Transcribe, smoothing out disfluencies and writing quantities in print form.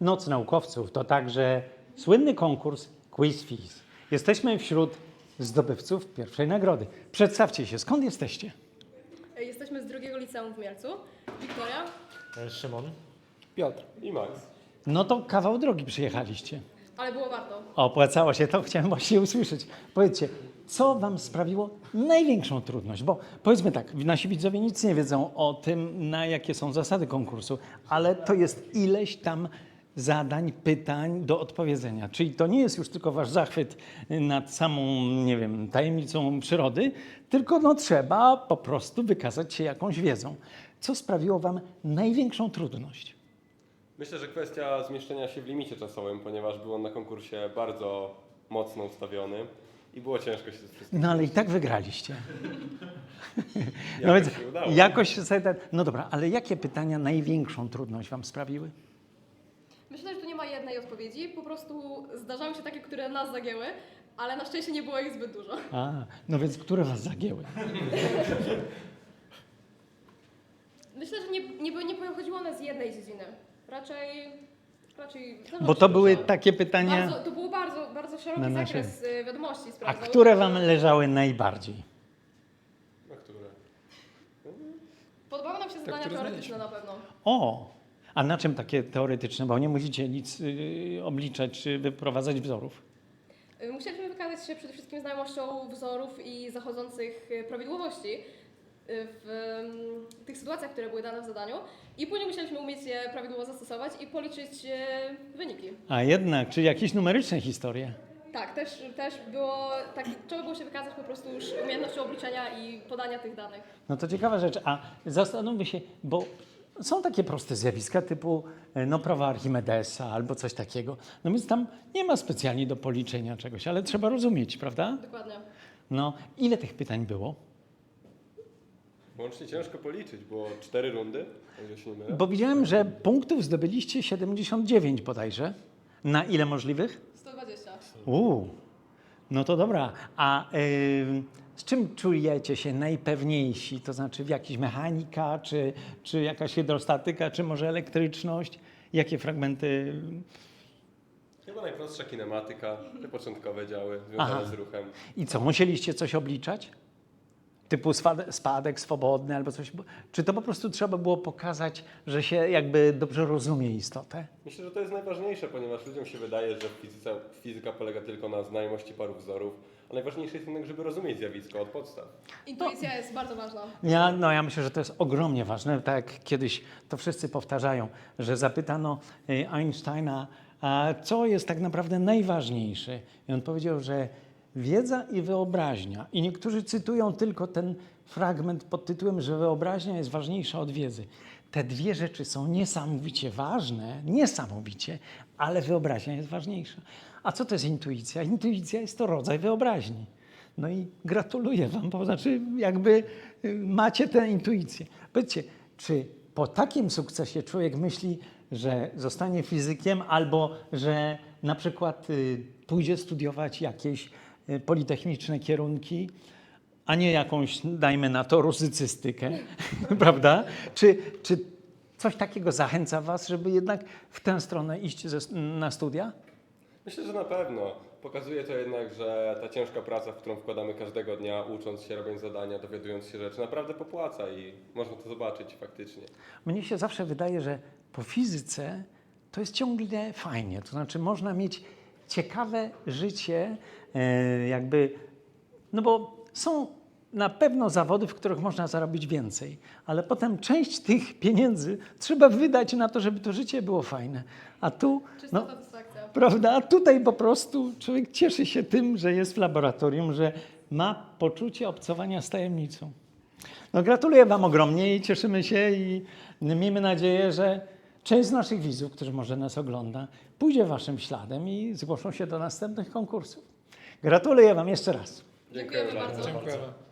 Noc Naukowców to także słynny konkurs Quiz Fizz. Jesteśmy wśród zdobywców pierwszej nagrody. Przedstawcie się, skąd jesteście? Jesteśmy z drugiego liceum w Mielcu. Wiktoria. Szymon. Piotr. I Max. No to kawał drogi przyjechaliście. Ale było warto. Opłacało się, to chciałem właśnie usłyszeć. Powiedzcie, co wam sprawiło największą trudność? Bo powiedzmy tak, nasi widzowie nic nie wiedzą o tym, na jakie są zasady konkursu, ale to jest ileś tam zadań, pytań do odpowiedzenia. Czyli to nie jest już tylko wasz zachwyt nad samą, nie wiem, tajemnicą przyrody, tylko no, trzeba po prostu wykazać się jakąś wiedzą. Co sprawiło wam największą trudność? Myślę, że kwestia zmieszczenia się w limicie czasowym, ponieważ był on na konkursie bardzo mocno ustawiony i było ciężko się z wszystkim. No ale i tak wygraliście. Jakoś się udało. Jakoś sobie no dobra, ale jakie pytania największą trudność wam sprawiły? Myślę, że tu nie ma jednej odpowiedzi. Po prostu zdarzały się takie, które nas zagięły, ale na szczęście nie było ich zbyt dużo. A, no więc które was zagięły? Myślę, że nie pochodziło one z jednej dziedziny. Raczej Bo to były takie pytania, to był bardzo Na szeroki nasze- zakres wiadomości. a sprawdzał. które wam leżały najbardziej? Na które? Podobały nam się zadania które teoretyczne na pewno. O, a na czym takie teoretyczne? Bo nie musicie nic obliczać czy wyprowadzać wzorów. Musieliśmy wykazać się przede wszystkim znajomością wzorów i zachodzących prawidłowości w tych sytuacjach, które były dane w zadaniu i później musieliśmy umieć je prawidłowo zastosować i policzyć wyniki. A jednak, czy jakieś numeryczne historie? Tak, też było tak, trzeba było się wykazać po prostu już umiejętnością obliczenia i podania tych danych. No to ciekawa rzecz, a zastanówmy się, bo są takie proste zjawiska typu no, prawa Archimedesa albo coś takiego. No więc tam nie ma specjalnie do policzenia czegoś, ale trzeba rozumieć, prawda? Dokładnie. No, ile tych pytań było? Łącznie ciężko policzyć, było 4 rundy, o ile się nie mylę. Bo widziałem, że punktów zdobyliście 79 bodajże. Na ile możliwych? 120. No to dobra. A z czym czujecie się najpewniejsi? To znaczy w jakiejś mechanika, czy jakaś hydrostatyka, czy może elektryczność? Jakie fragmenty? Chyba najprostsza kinematyka, te początkowe działy Aha. związane z ruchem. I co, musieliście coś obliczać? Typu spadek swobodny albo coś? Czy to po prostu trzeba było pokazać, że się jakby dobrze rozumie istotę? Myślę, że to jest najważniejsze, ponieważ ludziom się wydaje, że fizyka polega tylko na znajomości paru wzorów, a najważniejsze jest jednak, żeby rozumieć zjawisko od podstaw. Intuicja jest bardzo ważna. Ja myślę, że to jest ogromnie ważne. Tak jak kiedyś to wszyscy powtarzają, że zapytano Einsteina, a co jest tak naprawdę najważniejsze? I on powiedział, że wiedza i wyobraźnia. I niektórzy cytują tylko ten fragment pod tytułem, że wyobraźnia jest ważniejsza od wiedzy. Te dwie rzeczy są niesamowicie ważne, niesamowicie, ale wyobraźnia jest ważniejsza. A co to jest intuicja? Intuicja jest to rodzaj wyobraźni. No i gratuluję wam, bo znaczy jakby macie tę intuicję. Powiedzcie, czy po takim sukcesie człowiek myśli, że zostanie fizykiem albo że na przykład pójdzie studiować jakieś politechniczne kierunki, a nie jakąś, dajmy na to, rusycystykę, prawda? Czy coś takiego zachęca was, żeby jednak w tę stronę iść na studia? Myślę, że na pewno. Pokazuje to jednak, że ta ciężka praca, w którą wkładamy każdego dnia, ucząc się, robiąc zadania, dowiadując się rzeczy, naprawdę popłaca i można to zobaczyć faktycznie. Mnie się zawsze wydaje, że po fizyce to jest ciągle fajnie. To znaczy można mieć ciekawe życie, jakby, no bo są na pewno zawody, w których można zarobić więcej, ale potem część tych pieniędzy trzeba wydać na to, żeby to życie było fajne. A tu, Czysta no, satysfakcja. prawda, a tutaj po prostu człowiek cieszy się tym, że jest w laboratorium, że ma poczucie obcowania z tajemnicą. No gratuluję wam ogromnie i cieszymy się i miejmy nadzieję, że część z naszych widzów, którzy może nas ogląda, pójdzie waszym śladem i zgłoszą się do następnych konkursów. Gratuluję wam jeszcze raz. Dziękujemy bardzo. Dziękujemy.